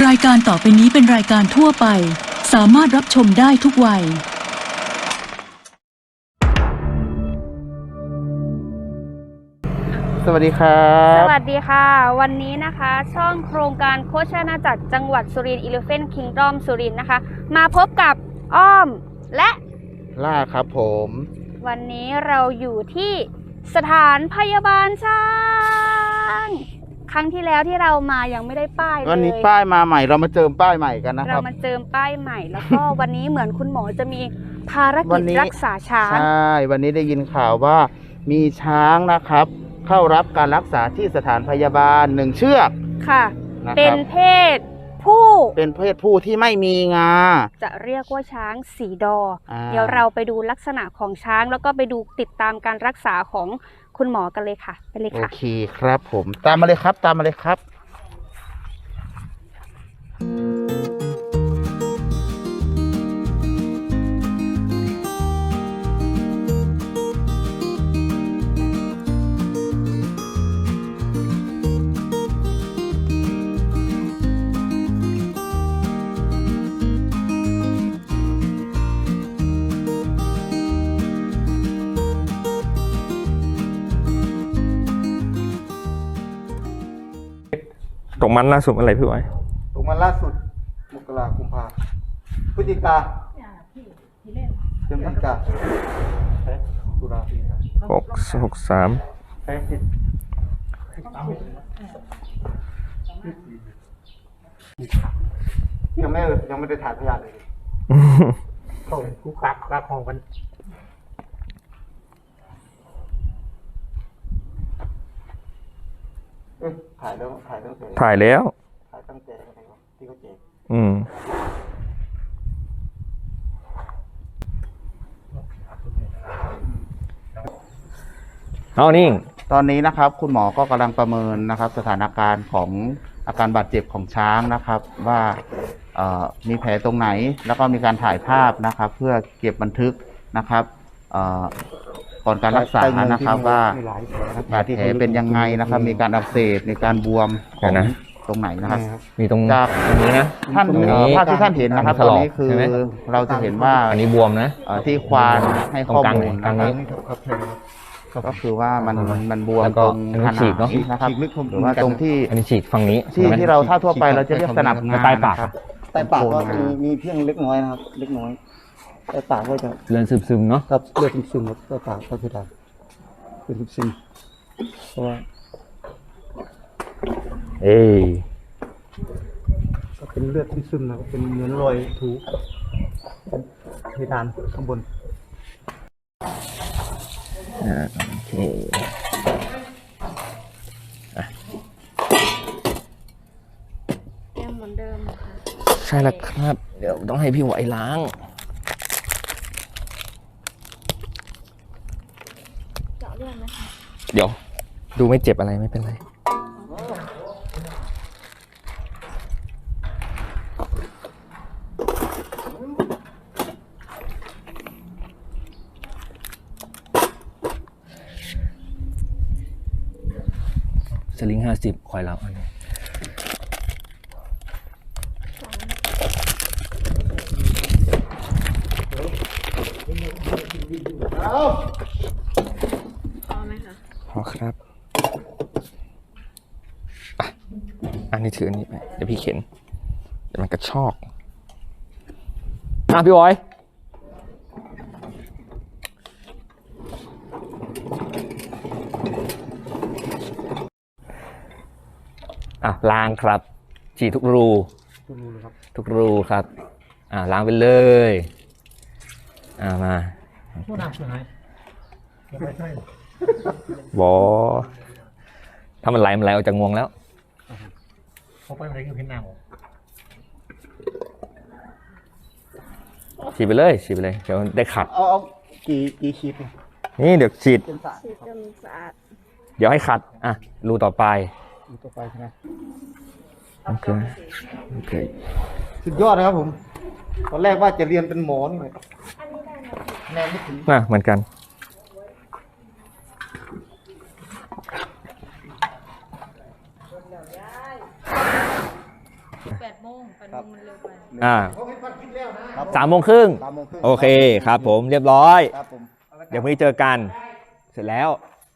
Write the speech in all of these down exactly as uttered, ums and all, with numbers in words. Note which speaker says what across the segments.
Speaker 1: ายการต่อไปนี้เป็นรายการทั่วไปสามารถรับชมได้ทุกวัย
Speaker 2: สวัสดีครับ
Speaker 3: สวัสดีค่ะวันนี้นะคะช่องโครงการโคชอาณาจักรจังหวัดสุรินทร์ Elephant Kingdom สุรินทร์นะคะมาพบกับอ้อมและ
Speaker 2: ล่าครับผม
Speaker 3: วันนี้เราอยู่ที่สถานพยาบาลช้างครั้งที่แล้วที่เรามายังไม่ได้ป้ายเลย
Speaker 2: วันนี้ป้ายมาใหม่เรามาเจิมป้ายใหม่กันนะครับ
Speaker 3: เรามาเจิมป้ายใหม่แล้วก็ วันนี้เหมือนคุณหมอจะมีภารกิจรักษาช้าง
Speaker 2: ใช่วันนี้ได้ยินข่าวว่ามีช้างนะครับเข้ารับการรักษาที่สถานพยาบาลหนึ่งเชือก
Speaker 3: ค่ะเป็นเพศผู้
Speaker 2: เป็นเพศผู้ที่ไม่มีงา
Speaker 3: จะเรียกว่าช้างสีดอเดี๋ยวเราไปดูลักษณะของช้างแล้วก็ไปดูติดตามการรักษาของคุณหมอกันเลยค่ะไปเลยค่ะ
Speaker 2: โอเคครับผมตามมาเลยครับตามมาเลยครับ
Speaker 4: ตกมันล่าสุดอะไรพี่ไว้
Speaker 2: ตกมันล่าสุดมกราคมกุมภาพฤศจิกาเดือนพฤศจิกาตุลา
Speaker 4: หกหกสาม
Speaker 2: ยังไม่ยังไม่ได้ถ่ายพยานเลยเขาคุกคักคักของกันถ่ายแล้วถ่ายตั้งแต่
Speaker 4: ถ่ายแล้ว
Speaker 2: ถ่ายตั้งแต่ที่เขาแจก
Speaker 4: อืมเอานี่
Speaker 2: ตอนนี้นะครับคุณหมอก็กำลังประเมินนะครับสถานการณ์ของอาการบาดเจ็บของช้างนะครับว่ามีแผลตรงไหนแล้วก็มีการถ่ายภาพนะครับเพื่อเก็บบันทึกนะครับก่อนการรักษานะครับว่าบาดแผลเป็นยังไงนะครับมีการอักเสบมีการบวมของตรงไหนนะครับ
Speaker 4: มีตรง
Speaker 2: จาก
Speaker 4: ตรงนี้นะ
Speaker 2: ท่านภาพที่ท่านเห็นนะครับตอนนี้คือเราจะเห็นว่า
Speaker 4: อันนี้บวมนะ
Speaker 2: ที่ควานให้ข้อมูลนะครับก็คือว่ามันมันบวมตรงขนาดนะครับหรือว่าตรงที่
Speaker 4: อันนี้ฉีกฝั่งนี้
Speaker 2: ที่ที่เราถ้าทั่วไปเราจะเรียกสนับงา
Speaker 4: ใต้ปาก
Speaker 2: ใต้ปากก็มีมีเพียงเล็กน้อยนะครับเล็กน้อยใต้ปากก็จะ
Speaker 4: เลือดซึมๆเนาะ
Speaker 2: ครับเลือดซึมๆครับใต้ปากก็คือได้เลือดซึมเพราะว่า
Speaker 4: เอ้ย
Speaker 2: ก็เป็นเลือดซึมๆนะครับเป็นเหมือนรอยถูเพดานข้างบน
Speaker 4: อ่าโอเค
Speaker 3: ยังเหมือนเดิม
Speaker 4: ใช่แล้วครับเดี๋ยวต้องให้พี่ไหวล้าง
Speaker 3: เจาะเลือดไหมคะ
Speaker 4: เดี๋ยวดูไม่เจ็บอะไรไม่เป็นไรสลิงห้าสิบคอยเราอันนี้
Speaker 3: พอไหมคะ
Speaker 4: พอครับอันนี้ถืออันนี้ไปเดี๋ยวพี่เข็นเดี๋ยวมันกระชอกอ่ะพี่บอยอ่ะล้างครับฉีดทุกรูทุกรูครับทุกรูครับอ่ะล้างไปเลยอ่ะมาผู้นำสุดท้ายไม่ใช่บอถ้ามันไหลมันไหลออกจากงวงแล้วเขาไปอะไรก็เห็นหน้าผมฉีดไปเลยฉีดไปเลยเดี๋ยวได้ขัด
Speaker 2: เอาเอากี่กี่ฉีด
Speaker 4: นี่เดี๋ยวฉีด
Speaker 3: ฉีดจนสะอาด
Speaker 4: เดี๋ยวให้ขัดอ่ะรูต่อไป
Speaker 2: รูต่อไปใช่ไหม
Speaker 4: โอเคโอเค
Speaker 2: สุดยอดนะครับผมตอนแรกว่าจะเรียนเป็นหมอนี่เลยแนวไม่ถึง
Speaker 4: น่ะเหมือนกัน
Speaker 1: แปดโมงแปดโมงมันเร็วไป
Speaker 4: อ่า
Speaker 2: ครับ
Speaker 4: สามโมงครึ่ง
Speaker 2: สามโมงครึ่ง
Speaker 4: โอเคครับผมเรียบร้อย
Speaker 2: ครับผม
Speaker 4: เดี๋ยวพรุ่งนี้เจอกันเสร็จแล้ว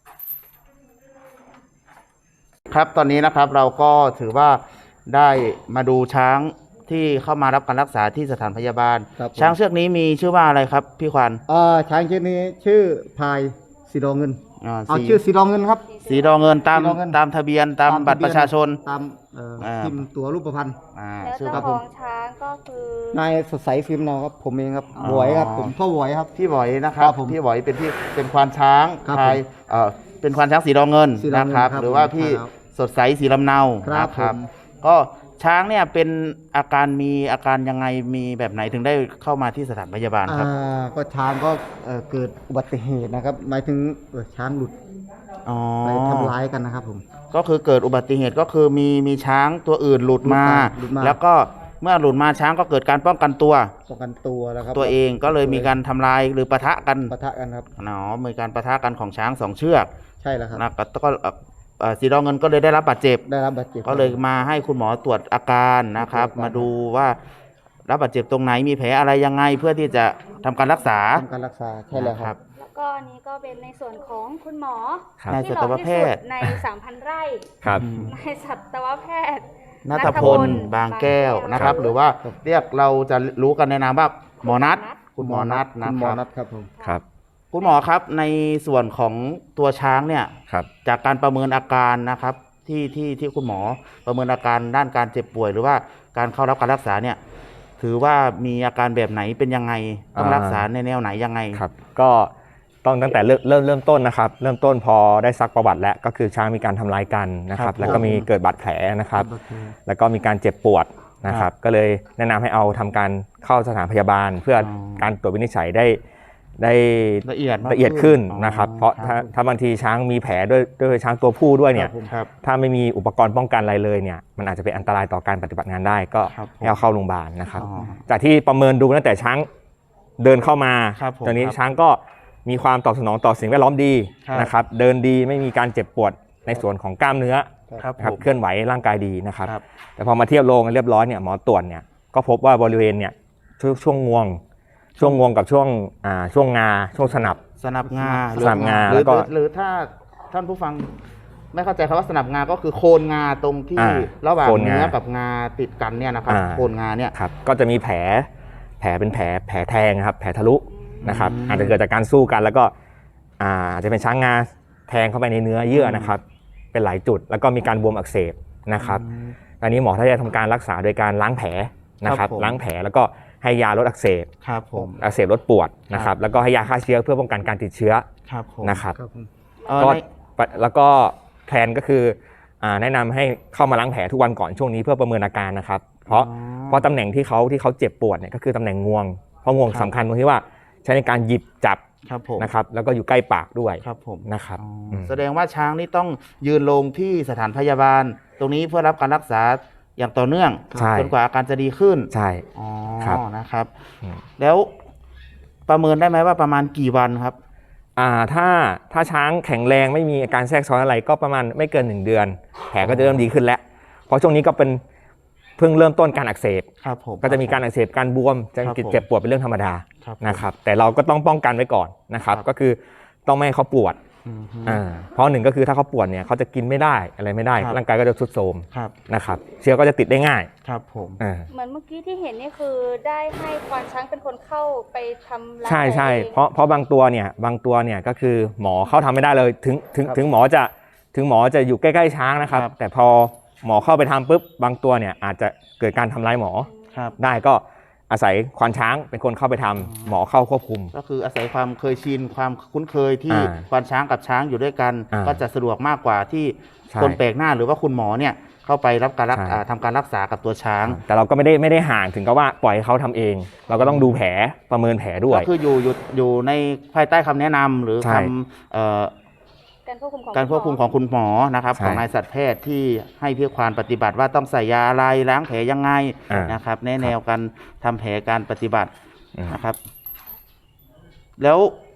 Speaker 2: ครับตอนนี้นะครับเราก็ถือว่าได้มาดูช้างที่เข้ามารับการรักษาที่สถานพยาบาล
Speaker 5: ครับผม
Speaker 2: ช้างเชือกนี้มีชื่อว่าอะไรครับพี่ควัน
Speaker 5: เอ่อช้างชื่อนี้ชื่อพายสีดองเงิน
Speaker 2: อ่า
Speaker 5: เอา
Speaker 2: สี
Speaker 5: ชื่อสีดองเงินครับ
Speaker 2: สีดอเงินตาม
Speaker 5: สีดอเงิน
Speaker 2: ตามทะเบียนตามบัตรประชาชน
Speaker 5: ตามเอ่อ
Speaker 2: อ่า
Speaker 5: พิมพ์ตัวรูปพรรณ
Speaker 2: อ่า
Speaker 3: แล้ว
Speaker 2: ชื่อ
Speaker 3: เจ้า
Speaker 2: ครับ
Speaker 3: ข
Speaker 2: ผ
Speaker 3: อ
Speaker 2: ม
Speaker 3: งช้างก็คือน
Speaker 5: ายสดใสฟิล์มนอครับผมเองครับ
Speaker 2: อ๋อ
Speaker 5: บวยครับผมพ่อบวยครับ
Speaker 2: พี่บอยนะครับ
Speaker 5: ครับผม
Speaker 2: พี่บอยเป็นพี่เป็นควานช้าง
Speaker 5: ครับ
Speaker 2: พายเอ่อเป็นควานช้างสีดอเงิน
Speaker 5: สีดอ
Speaker 2: นะ
Speaker 5: เงิน
Speaker 2: ครับ
Speaker 5: ครับ
Speaker 2: หรือว่า
Speaker 5: ผม
Speaker 2: พี่
Speaker 5: ครับ
Speaker 2: สดใสสีลำเนา
Speaker 5: ครับ
Speaker 2: นะครับ
Speaker 5: ผม
Speaker 2: ก็ช้างเนี่ยเป็นอาการมีอาการยังไงมีแบบไหนถึงได้เข้ามาที่สถานพยาบาลครับ
Speaker 5: อ่าก็ช้างก็เอ่อเกิดอุบัติเหตุนะครับหมายถึงเอ่อช้างหลุด
Speaker 2: อ๋อ
Speaker 5: ไปทำร้ายกันนะครับผม
Speaker 2: ก็คือเกิดอุบัติเหตุก็คือมีมีช้างตัวอื่นหลุดมา
Speaker 5: หลุดมา
Speaker 2: แล้วก็เมื่อหลุดมาช้างก็เกิดการป้องกันตัว
Speaker 5: ป้องกันตัวแล้วครับ
Speaker 2: ตัวเองก็เลยมีการทำลายหรือปะทะกัน
Speaker 5: ปะทะกันครับ
Speaker 2: เนาะมีการปะทะกันของช้างสองเชือก
Speaker 5: ใช่แล้วครับ
Speaker 2: นะก็ก็เอ่อเอ่อสีดอเงินก็เลยได้รับบาดเจ็บ
Speaker 5: ได้รับบาดเจ็บ
Speaker 2: ก็เลยมาให้คุณหมอตรวจอาการนะครับ
Speaker 5: ตรวจอาการ
Speaker 2: มาดูว่ารับบาดเจ็บตรงไหนมีแผลอะไรยังไงเพื่อที่จะทำการรักษา
Speaker 5: ทำการรักษาใช่แล้วครับ
Speaker 3: แล้วก็อันนี้ก็เป็นในส่วนของคุณหมอ
Speaker 4: ครับ
Speaker 2: นาย
Speaker 3: ที่
Speaker 2: สั
Speaker 3: ห
Speaker 2: ต
Speaker 3: ล่อ
Speaker 2: ว
Speaker 3: ที่
Speaker 2: แพ
Speaker 3: สุ
Speaker 2: ท
Speaker 3: ด
Speaker 2: ย์
Speaker 3: ในสามพันไร่
Speaker 4: ครับ
Speaker 3: นายสัตวแพทย์
Speaker 2: นัทพลบางแก้วนะครับ หรือว่าเรียกเราจะรู้กันในนามว่าหมอนัทคุณหมอนัทนะ
Speaker 5: คุณห
Speaker 2: ค
Speaker 5: มอ
Speaker 2: รับ
Speaker 5: นัดครับผม
Speaker 4: ครับ
Speaker 2: คุณหมอครับในส่วนของตัวช้างเนี่ย
Speaker 4: ครับ
Speaker 2: จากการประเมินอาการนะครับที่ที่ที่คุณหมอประเมินอาการด้านการเจ็บป่วย หรือว่าการเข้ารับการรักษาเนี่ยถือว่ามีอาการแบบไหนเป็นยังไงต้อง
Speaker 4: อ่า
Speaker 2: รักษาในแนวไหนยังไง
Speaker 4: ครับก็ต้องตั้งแต่เริ่มเริ่มเริ่มต้นนะครับ เริ่มต้นพอได้ซักประวัติแล้วก็คือช้างมีการทำร้ายกันนะค
Speaker 2: ครั
Speaker 4: รั
Speaker 2: บบ
Speaker 4: แล้วก็มีเกิดบาดแผลนะครับ แล้วก็มีการเจ็บปวดนะค
Speaker 2: ครั
Speaker 4: รับ
Speaker 2: บ
Speaker 4: ก็เลยแนะนำให้เอาทำการเข้าสถานพยาบาล เพื่ออ
Speaker 2: อ
Speaker 4: การตรวจวินิจฉัยได้ได้
Speaker 2: ละเอียดมาก
Speaker 4: ละเอียดขึ้น
Speaker 2: อ๋อ
Speaker 4: นะครับ เพราะ
Speaker 2: ค
Speaker 4: ถ้า
Speaker 2: บ
Speaker 4: ถ้าบางทีช้างมีแผลด้วยด้วยช้างตัวผู้ด้วยเนี่ย
Speaker 2: ครับ
Speaker 4: ถ้าไม่มีอุปกรณ์ป้องกันอะไรเลยเนี่ยมันอาจจะเป็นอันตรายต่อการปฏิบัติงานได้ ก็
Speaker 2: ครับผม
Speaker 4: ให้เอาเข้าโรงพยาบาลนะครับ
Speaker 2: อ๋อ
Speaker 4: จากที่ประเมินดูตั้งแต่ช้างเดินเข้ามา
Speaker 2: ครับผม
Speaker 4: ตอนนี้
Speaker 2: ครับ
Speaker 4: ช้างก็มีความตอบสนองต่อสิ่งแวดล้อมดี
Speaker 2: ครับ
Speaker 4: นะครับ เดินดีไม่มีการเจ็บปวดในส่วนของกล้ามเนื้อ
Speaker 2: ครับ
Speaker 4: นะครับ
Speaker 2: ผม
Speaker 4: เคลื่อนไหวร่างกายดีนะครับ
Speaker 2: ครับ
Speaker 4: แต่พอมาเทียบโรงกันเรียบร้อยเนี่ยหมอตรวจเนี่ยก็พบว่าบริเวณเนี่ยช่วงช่วงงวง ช่วงงวงกับช่วงอ่าช่วงงาช่วงสนับ
Speaker 2: สนับงา
Speaker 4: สนับงา
Speaker 2: หรือ
Speaker 4: แล้วก็
Speaker 2: หรือหรือถ้าท่านผู้ฟังไม่เข้าใจคำว่าสนับงาก็คือโคนงาตรงที่
Speaker 4: อ่า
Speaker 2: ระหว่าง
Speaker 4: โคนงา
Speaker 2: เนื้อกับงาติดกันเนี่ยนะครับ
Speaker 4: อ่า
Speaker 2: โคนงาเนี่ย
Speaker 4: ครับก็จะมีแผลแผลเป็นแผลแผลแทงครับแผลทะลุนะครับ
Speaker 2: อืม
Speaker 4: อาจจะเกิดจากการสู้กันแล้วก็อ่าอาจจะเป็นช้างงาแทงเข้าไปในเนื้อเยื่อนะครับ เป็นหลายจุดแล้วก็มีการบวมอักเสบนะครับ
Speaker 2: อืม
Speaker 4: ตอนนี้หมอถ้าจะทำการรักษาโดยการล้างแผลนะครับ
Speaker 2: ครับผม
Speaker 4: ล้างแผลแล้วก็ให้ยาลดอักเสบ
Speaker 2: ครับผม
Speaker 4: อักเสบลดปวดนะครับแล้วก็ให้ยาฆ่าเชื้อเพื่อป้องกันการติดเชื้อ
Speaker 2: ครับผม
Speaker 4: นะครับ
Speaker 5: ครับผม
Speaker 2: เอ่อ
Speaker 4: ก็
Speaker 2: ใน
Speaker 4: แล้วก็แพลนก็คืออ่าแนะนำให้เข้ามาล้างแผลทุกวันก่อนช่วงนี้เพื่อประเมินอาการนะครับ เพราะ
Speaker 2: อ๋อ
Speaker 4: เพราะตำแหน่งที่เขาที่เขาเจ็บปวดเนี่ยก็คือตำแหน่งงวง เพราะงวง
Speaker 2: ครับ
Speaker 4: สำคัญตรงที่ว่าใช้ในการหยิบจับ
Speaker 2: ครับผม
Speaker 4: นะครับแล้วก็อยู่ใกล้ปากด้วย
Speaker 2: ครับผม
Speaker 4: นะครับ
Speaker 2: อ๋ออ
Speaker 4: ม
Speaker 2: แสดงว่าช้างนี่ต้องยืนลงที่สถานพยาบาล ตรงนี้เพื่อรับการรักษาอย่างต่อเนื่อง
Speaker 4: ใช่
Speaker 2: จนกว่าอาการจะดีขึ้น
Speaker 4: ใช่
Speaker 2: อ๋อ
Speaker 4: ครับ
Speaker 2: นะครับ
Speaker 4: อืม
Speaker 2: แล้วประเมินได้ไหมว่าประมาณกี่วันครับ
Speaker 4: อ่าถ้าถ้าช้างแข็งแรงไม่มีอาการแทรกซ้อนอะไรก็ประมาณไม่เกินหนึ่งเดือน แผลก็จะเริ่มดีขึ้นแล้ว เพราะช่วงนี้ก็เป็นเพิ่งเริ่มต้นการอักเสบ
Speaker 2: ครับผม
Speaker 4: ก็จะมีการอักเสบการบวมจะ
Speaker 2: ครับผม
Speaker 4: เจ็บปวดเป็นเรื่องธรรมดา
Speaker 2: ครับผม
Speaker 4: นะครับแต่เราก็ต้องป้องกันไว้ก่อนนะครับ
Speaker 2: ครับ
Speaker 4: ก็คือต้องไม่ให้เขาปวด
Speaker 2: อืมฮึ
Speaker 4: อ่าเพราะหนึ่งก็คือถ้าเขาปวดเนี่ยเขาจะกินไม่ได้อะไรไม่ได้
Speaker 2: ครับ
Speaker 4: ร่างกายก็จะทรุดโทรม
Speaker 2: ครับ
Speaker 4: นะครับเชื้อก็จะติดได้ง่าย
Speaker 2: ครับผม
Speaker 4: อ่า
Speaker 3: เหมือนเมื่อกี้ที่เห็นนี่คือได้ให้ควานช้างเป็นคนเข้าไปทำร้าย
Speaker 4: ใช่ใช่
Speaker 3: ตัวอง
Speaker 4: เพราะเพราะบางตัวเนี่ยบางตัวเนี่ยก็คือหมอเข้าทำไม่ได้เลยถึงถึง
Speaker 2: ครับ
Speaker 4: ถึงหมอจะถึงหมอจะอยู่ใกล้ๆช้างนะครับ
Speaker 2: ครับ
Speaker 4: แต่พอหมอเข้าไปทำปุ๊บบางตัวเนี่ยอาจจะเกิดการทำร้ายหมอ
Speaker 2: ครับ
Speaker 4: ได้ก็อาศัยควานช้างเป็นคนเข้าไปทำหมอเข้าควบคุม
Speaker 2: ก็คืออาศัยความเคยชินความคุ้นเคยที่
Speaker 4: อ่า
Speaker 2: ควานช้างกับช้างอยู่ด้วยกัน
Speaker 4: อ่า
Speaker 2: ก็จะสะดวกมากกว่าที่
Speaker 4: ใช่
Speaker 2: คนแปลกหน้าหรือว่าคุณหมอเนี่ยเข้าไปรับการรัก
Speaker 4: ใช่
Speaker 2: อ่าทำการรักษากับตัวช้าง
Speaker 4: แต่เราก็ไม่ได้ไม่ได้ห่างถึงกับว่าปล่อยให้เขาทำเอง เราก็ต้องดูแผลประเมินแผลด้วย
Speaker 2: ก็คืออยู่อยู่อยู่ในภายใต้คำแนะนำหรือ
Speaker 4: ใช่
Speaker 2: คำเอ่อ
Speaker 3: การควบคุมของ
Speaker 2: การควบคุมของคุณหมอนะครับ
Speaker 4: ใช่
Speaker 2: ของนายสัตวแพทย์ที่ให้พี่ควานปฏิบัติว่าต้องใส่ยาอะไรล้างแผลยังไง
Speaker 4: อ่าน
Speaker 2: นะครับในแนวการทำแผลการปฏิบัติ
Speaker 4: อืม
Speaker 2: นะครับ แล้ว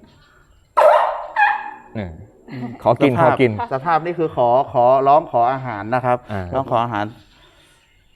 Speaker 4: อืมขอกิน
Speaker 2: ส
Speaker 4: ข
Speaker 2: ภา
Speaker 4: อ
Speaker 2: พ
Speaker 4: กิน
Speaker 2: สภาพนี่คือขอขอร้องขออาหารนะครับ
Speaker 4: อ่า
Speaker 2: ร้องขออาหาร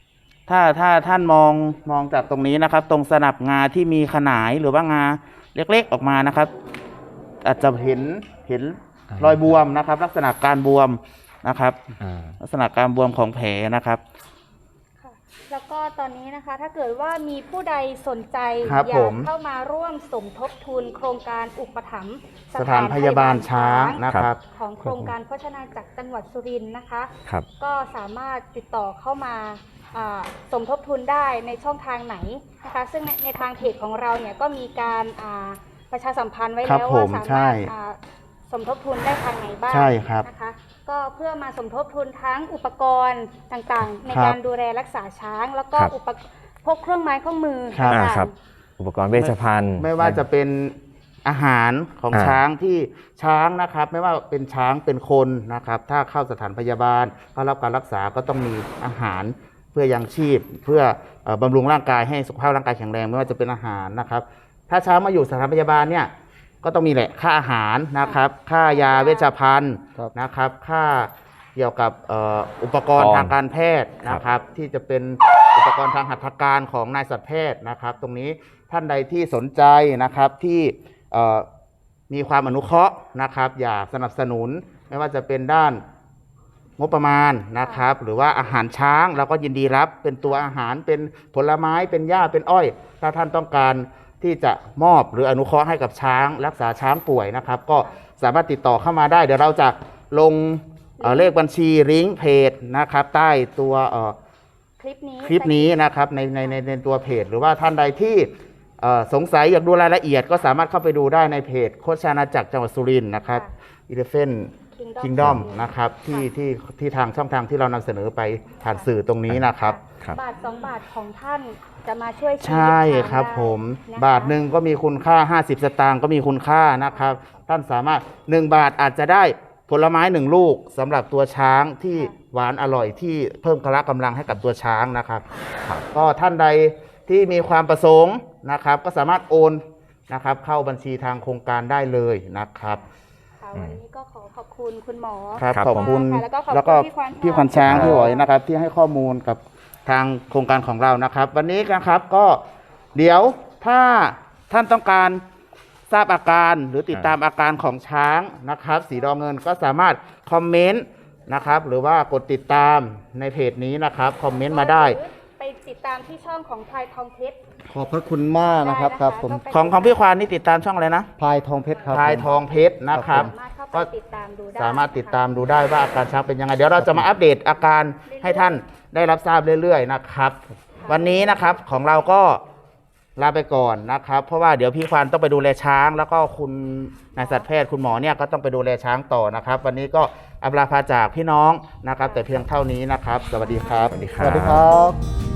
Speaker 2: ถ้าถ้าท่านมองมองจากตรงนี้นะครับ ตรงสนับงาที่มีขนายหรือว่างาเล็กๆออกมานะครับ อาจจะเห็นเห็นรอยบวมนะครับ ลักษณะการบวมนะครับ
Speaker 4: อ่า
Speaker 2: ลักษณะการบวมของแผลนะครับ
Speaker 3: ค่ะแล้วก็ตอนนี้นะคะถ้าเกิดว่ามีผู้ใดสนใจ
Speaker 2: ครับ
Speaker 3: อยา
Speaker 2: ผ
Speaker 3: ก
Speaker 2: ม
Speaker 3: เข้ามาร่วมสมทบทุนโครงการอุปถัมภ์
Speaker 2: สถานพยาบาลช้างนะครับ
Speaker 3: ของโครงการโภชนาจักรจังหวัดสุรินทร์นะคะ
Speaker 4: ครับ
Speaker 3: ก็สามารถติดต่อเข้ามาอ่าสมทบทุนได้ในช่องทางไหนนะคะซึ่งในในทางเพจของเราเนี่ยก็มีการอ่าประชาสัมพันธ์ไว้
Speaker 2: ครับ
Speaker 3: แล้ว
Speaker 2: ผ
Speaker 3: ว่าม สา
Speaker 2: ใช่
Speaker 3: มารถอ่าสมทบทุนได้ทางไหนบ้าง
Speaker 2: ใช่ครับ
Speaker 3: นะคะก็เพื่อมาสมทบทุนทั้งอุปกรณ์ต่างๆ ใน
Speaker 2: ครับ
Speaker 3: การดูแลรักษาช้าง แล้วก็
Speaker 4: ครับ
Speaker 3: อุปกพวกเครื่องไม้เครื่องมือ
Speaker 2: ครับ
Speaker 4: อ่า
Speaker 3: ต่างๆ
Speaker 4: ครับ อุปกรณ์เวชภัณฑ์
Speaker 2: ไม่ว่าจะเป็นอาหารของ
Speaker 4: อ่า
Speaker 2: ช้างที่ช้างนะครับ ไม่ว่าเป็นช้างเป็นคนนะครับ ถ้าเข้าสถานพยาบาลเข้ารับการรักษาก็ต้องมีอาหารเพื่อยังชีพ เพื่อเอ่อบำรุงร่างกายให้สุขภาพร่างกายแข็งแรงไม่ว่าจะเป็นอาหารนะครับ ถ้าช้างมาอยู่สถานพยาบาลเนี่ยก็ต้องมีแหละค่าอาหารนะครับ ค่ายาเวชภัณฑ์
Speaker 5: ครับ
Speaker 2: นะครับ ค่าเกี่ยวกับเอ่ออุปกรณ์ทางการแพทย์นะครับ ที่จะเป็นอุปกรณ์ทางหัตถการของนายสัตวแพทย์นะครับ ตรงนี้ท่านใดที่สนใจนะครับที่เอ่อมีความอนุเคราะห์นะครับ อยากสนับสนุนไม่ว่าจะเป็นด้านงบประมาณนะครับ หรือว่าอาหารช้างเราก็ยินดีรับเป็นตัวอาหารเป็นผลไม้เป็นหญ้าเป็นอ้อย ถ้าท่านต้องการที่จะมอบหรืออนุเคราะห์ให้กับช้าง รักษาช้างป่วยนะครับ ก็สามารถติดต่อเข้ามาได้ เดี๋ยวเราจะลงเอ่อเลขบัญชีลิงก์เพจนะครับ ใต้ตัวเอ่อ
Speaker 3: คลิปนี้
Speaker 2: คลิปนี้นะครับในในในในตัวเพจ หรือว่าท่านใดที่เอ่อสงสัยอยากดูรายละเอียด ก็สามารถเข้าไปดูได้ในเพจโคชอาณาจักรจังหวัดสุรินทร์นะครับ Elephant Kingdom นะครับที่ที่ที่ทางช่องทางที่เรานำเสนอไปผ่านสื่อตรงนี้นะครับ
Speaker 4: ครับ
Speaker 3: บาทสองบาทของท่านจะมาช่วยชีวิต
Speaker 2: ใช่
Speaker 3: ช้าง
Speaker 2: ครับ
Speaker 3: ได้
Speaker 2: ผม
Speaker 3: นะคะ
Speaker 2: บาทหนึ่งก็มีคุณค่า ห้าสิบ สตางค์ก็มีคุณค่านะครับ ท่านสามารถหนึ่งบาทอาจจะได้ผลไม้หนึ่งลูกสำหรับตัวช้างที่หวานอร่อยที่เพิ่มพละกำลังให้กับตัวช้างนะครับ ก็ท่านใดที่มีความประสงค์นะครับ ก็สามารถโอนนะครับ เข้าบัญชีทางโครงการได้เลยนะครับ
Speaker 3: ค่ะวันนี้ก็ขอขอบคุณคุณหมอ
Speaker 2: ครับ
Speaker 4: ครับ
Speaker 2: ขอบคุณ
Speaker 3: ค่ะแล้วก็ขอบคุณ
Speaker 2: แล้วก็
Speaker 3: พี่ขวัญ
Speaker 2: พี่ขวัญช้าง
Speaker 4: ครับ
Speaker 2: พี่หอยนะครับ ที่ให้ข้อมูลกับทางโครงการของเรานะครับ วันนี้นะครับก็เดี๋ยวถ้าท่านต้องการทราบอาการหรือติดตามอาการของช้างนะครับ สีดอเงินก็สามารถคอมเมนต์นะครับ หรือว่ากดติดตามในเพจนี้นะครับคอมเมนต์มาได้
Speaker 3: หรือไปติดตามที่ช่องของพลายทองเพชร
Speaker 5: ขอบพระคุณมากนะครับ
Speaker 3: ได้นะคะ
Speaker 5: ครับผม
Speaker 3: ก็ไป
Speaker 2: ของของพี่ควานนี่ติดตามช่องอะไรนะ
Speaker 5: พลายทองเพชรครับ
Speaker 2: พลาย
Speaker 5: ผม
Speaker 2: ทองเพชรนะครับ
Speaker 3: สามารถเข้าไป
Speaker 2: ก็
Speaker 3: ติดตามดูได้
Speaker 2: สามารถติดตามดูได้ว่าอาการช้างเป็นยังไง เดี๋ยวเราจะมาอัปเดตอาการให้ท่านได้รับทราบเรื่อยๆนะครับ วันนี้นะครับของเราก็ลาไปก่อนนะครับ เพราะว่าเดี๋ยวพี่ควานต้องไปดูแลช้าง แล้วก็คุณนายสัตวแพทย์คุณหมอเนี่ยก็ต้องไปดูแลช้างต่อนะครับ วันนี้ก็อำลาพาจากพี่น้องนะครับ แต่เพียงเท่านี้นะครับ สวัสดีครับ
Speaker 4: สวัสดีค
Speaker 5: ส
Speaker 4: รับ
Speaker 5: วัสดีครับ